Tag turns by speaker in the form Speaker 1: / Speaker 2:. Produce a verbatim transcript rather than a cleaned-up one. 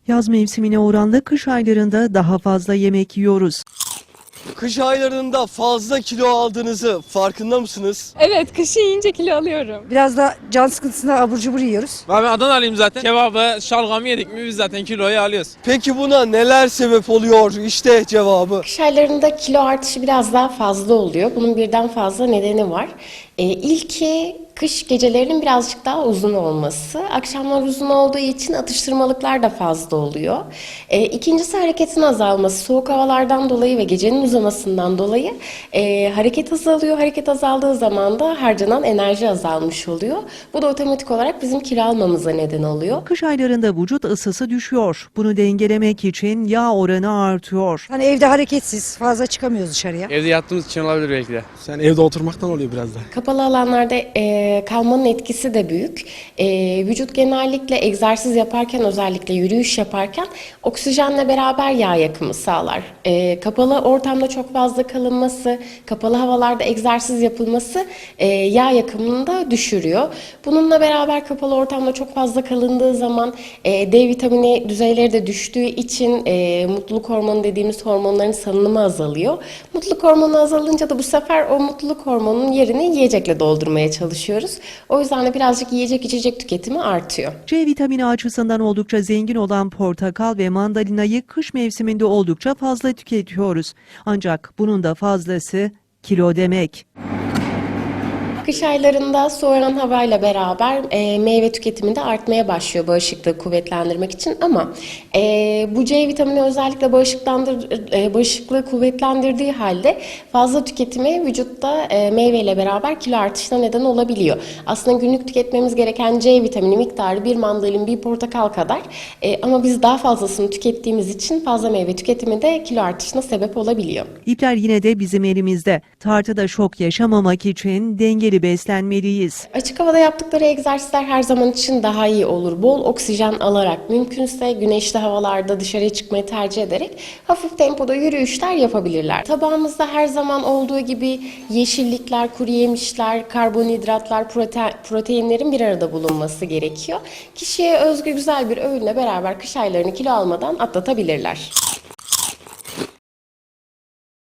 Speaker 1: Yaz mevsimine oranla kış aylarında daha fazla yemek yiyoruz.
Speaker 2: Kış aylarında fazla kilo aldığınızı farkında mısınız?
Speaker 3: Evet, kışı yiyince kilo alıyorum.
Speaker 4: Biraz da can sıkıntısına abur cubur yiyoruz.
Speaker 5: Ben Adanalıyım zaten. Kebabı, şalgamı yedik mi biz zaten kiloyu alıyoruz.
Speaker 2: Peki buna neler sebep oluyor? İşte cevabı.
Speaker 6: Kış aylarında kilo artışı biraz daha fazla oluyor. Bunun birden fazla nedeni var. Ee, ilki kış gecelerinin birazcık daha uzun olması. Akşamlar uzun olduğu için atıştırmalıklar da fazla oluyor. Ee, ikincisi hareketin azalması. Soğuk havalardan dolayı ve gecenin uzamasından dolayı e, hareket azalıyor. Hareket azaldığı zaman da harcanan enerji azalmış oluyor. Bu da otomatik olarak bizim kilo almamıza neden oluyor.
Speaker 1: Kış aylarında vücut ısısı düşüyor. Bunu dengelemek için yağ oranı artıyor.
Speaker 4: Hani evde hareketsiz, fazla çıkamıyoruz dışarıya.
Speaker 5: Evde yattığımız için olabilir belki de.
Speaker 7: Sen evde oturmaktan oluyor biraz da.
Speaker 6: Kapalı alanlarda e, kalmanın etkisi de büyük. E, vücut genellikle egzersiz yaparken, özellikle yürüyüş yaparken oksijenle beraber yağ yakımı sağlar. E, kapalı ortamda çok fazla kalınması, kapalı havalarda egzersiz yapılması e, yağ yakımını da düşürüyor. Bununla beraber kapalı ortamda çok fazla kalındığı zaman e, D vitamini düzeyleri de düştüğü için e, mutluluk hormonu dediğimiz hormonların salınımı azalıyor. Mutluluk hormonu azalınca da bu sefer o mutluluk hormonunun yerini yiyecekle doldurmaya çalışıyoruz. O yüzden de birazcık yiyecek içecek tüketimi artıyor.
Speaker 1: C vitamini açısından oldukça zengin olan portakal ve mandalinayı kış mevsiminde oldukça fazla tüketiyoruz. Ancak bunun da fazlası kilo demek.
Speaker 6: Kış aylarında soğuyan havayla beraber e, meyve tüketimi de artmaya başlıyor bağışıklığı kuvvetlendirmek için ama e, bu C vitamini özellikle bağışıklandır, e, bağışıklığı kuvvetlendirdiği halde fazla tüketimi vücutta e, meyveyle beraber kilo artışına neden olabiliyor. Aslında günlük tüketmemiz gereken C vitamini miktarı bir mandalin, bir portakal kadar e, ama biz daha fazlasını tükettiğimiz için fazla meyve tüketimi de kilo artışına sebep olabiliyor.
Speaker 1: İpler yine de bizim elimizde. Tartıda şok yaşamamak için dengeli beslenmeliyiz.
Speaker 6: Açık havada yaptıkları egzersizler her zaman için daha iyi olur. Bol oksijen alarak, mümkünse güneşli havalarda dışarıya çıkmayı tercih ederek hafif tempoda yürüyüşler yapabilirler. Tabağımızda her zaman olduğu gibi yeşillikler, kuru yemişler, karbonhidratlar, prote- proteinlerin bir arada bulunması gerekiyor. Kişiye özgü güzel bir öğünle beraber kış aylarını kilo almadan atlatabilirler.